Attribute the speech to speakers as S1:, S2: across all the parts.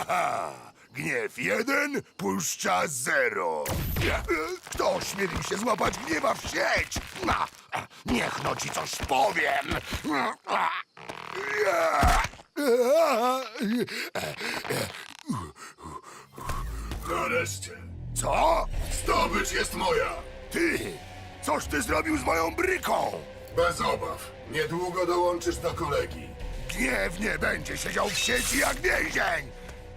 S1: Gniew 1 puszcza 0. Kto ośmielił się złapać gniewa w sieć? Niech no ci coś powiem.
S2: Nareszcie.
S1: Co?
S2: Zdobycz jest moja.
S1: Ty! Coś ty zrobił z moją bryką?
S2: Bez obaw. Niedługo dołączysz do kolegi.
S1: Gniew nie będzie siedział w sieci jak więzień!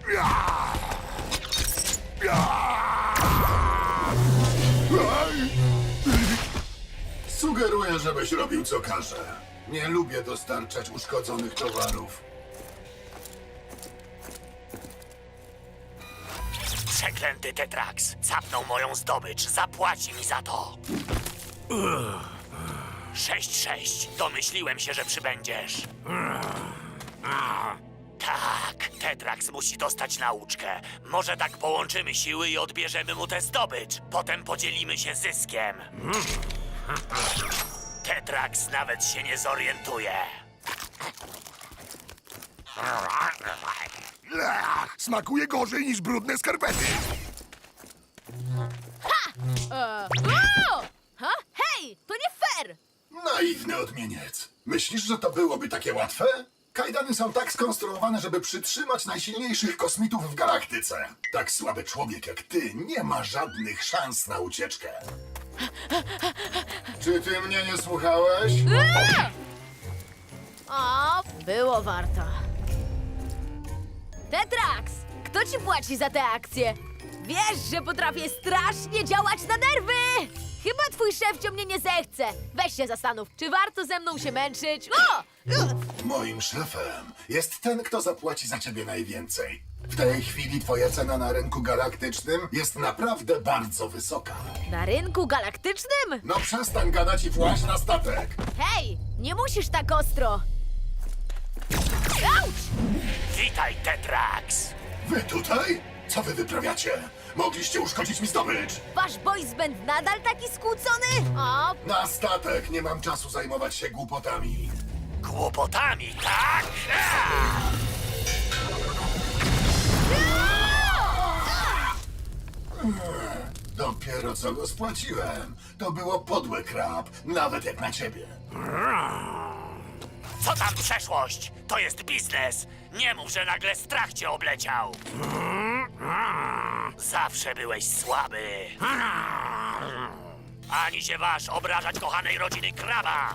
S2: Sugeruję, żebyś robił co każe. Nie lubię dostarczać uszkodzonych towarów.
S3: Przeklęty Tetrax zapnął moją zdobycz. Zapłaci mi za to. 6-6. Domyśliłem się, że przybędziesz. Tak, Tetrax musi dostać nauczkę. Może tak połączymy siły i odbierzemy mu tę zdobycz. Potem podzielimy się zyskiem. Tetrax nawet się nie zorientuje.
S1: Smakuje gorzej niż brudne skarpety!
S4: O! Ha? Hej, to nie fair!
S2: Naiwny odmieniec. Myślisz, że to byłoby takie łatwe? Kajdany są tak skonstruowane, żeby przytrzymać najsilniejszych kosmitów w galaktyce. Tak słaby człowiek jak ty nie ma żadnych szans na ucieczkę. Czy ty mnie nie słuchałeś?
S4: O, było warto. Tetrax, kto ci płaci za tę akcję? Wiesz, że potrafię strasznie działać na nerwy! Chyba twój szefcio mnie nie zechce. Weź się zastanów, czy warto ze mną się męczyć? O!
S2: Moim szefem jest ten, kto zapłaci za ciebie najwięcej. W tej chwili twoja cena na rynku galaktycznym jest naprawdę bardzo wysoka.
S4: Na rynku galaktycznym?
S2: No przestań gadać i właź na statek.
S4: Hej, nie musisz tak ostro. Auć!
S3: Witaj, Tetrax.
S2: Wy tutaj? Co wy wyprawiacie? Mogliście uszkodzić mi zdobycz.
S4: Wasz boys band nadal taki skłócony? O,
S2: Na statek, nie mam czasu zajmować się głupotami.
S3: Kłopotami, tak?
S2: Dopiero co go spłaciłem. To było podłe, krab, nawet jak na ciebie.
S3: Co tam przeszłość? To jest biznes. Nie mów, że nagle strach cię obleciał. Zawsze byłeś słaby. Ani się waż obrażać kochanej rodziny kraba.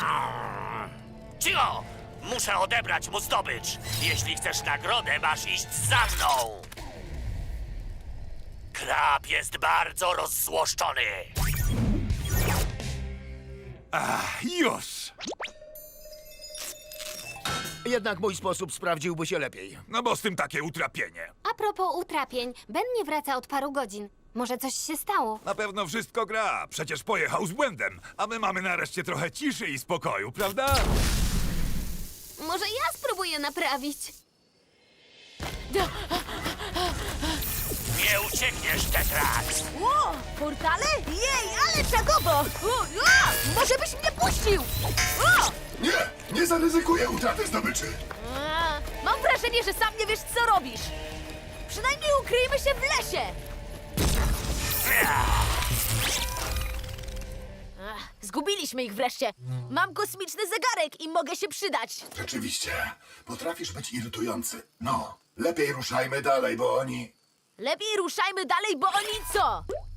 S3: Cicho! Muszę odebrać mu zdobycz. Jeśli chcesz nagrodę, masz iść za mną. Krab jest bardzo rozzłoszczony.
S1: Już! Jednak mój sposób sprawdziłby się lepiej.
S5: No bo z tym takie utrapienie.
S6: A propos utrapień, Ben nie wraca od paru godzin. Może coś się stało?
S5: Na pewno wszystko gra. Przecież pojechał z błędem. A my mamy nareszcie trochę ciszy i spokoju, prawda?
S6: Może ja spróbuję naprawić?
S3: Nie uciekniesz, Tetrax.
S4: o, portale? Jej, ale czagobo! Może byś mnie puścił! O!
S2: Nie zaryzykuję utraty zdobyczy.
S4: Mam wrażenie, że sam nie wiesz, co robisz. Przynajmniej ukryjmy się w lesie. Zgubiliśmy ich wreszcie. Mam kosmiczny zegarek i mogę się przydać.
S2: Rzeczywiście, potrafisz być irytujący. No, lepiej ruszajmy dalej, bo oni...
S4: Lepiej ruszajmy dalej, bo oni co?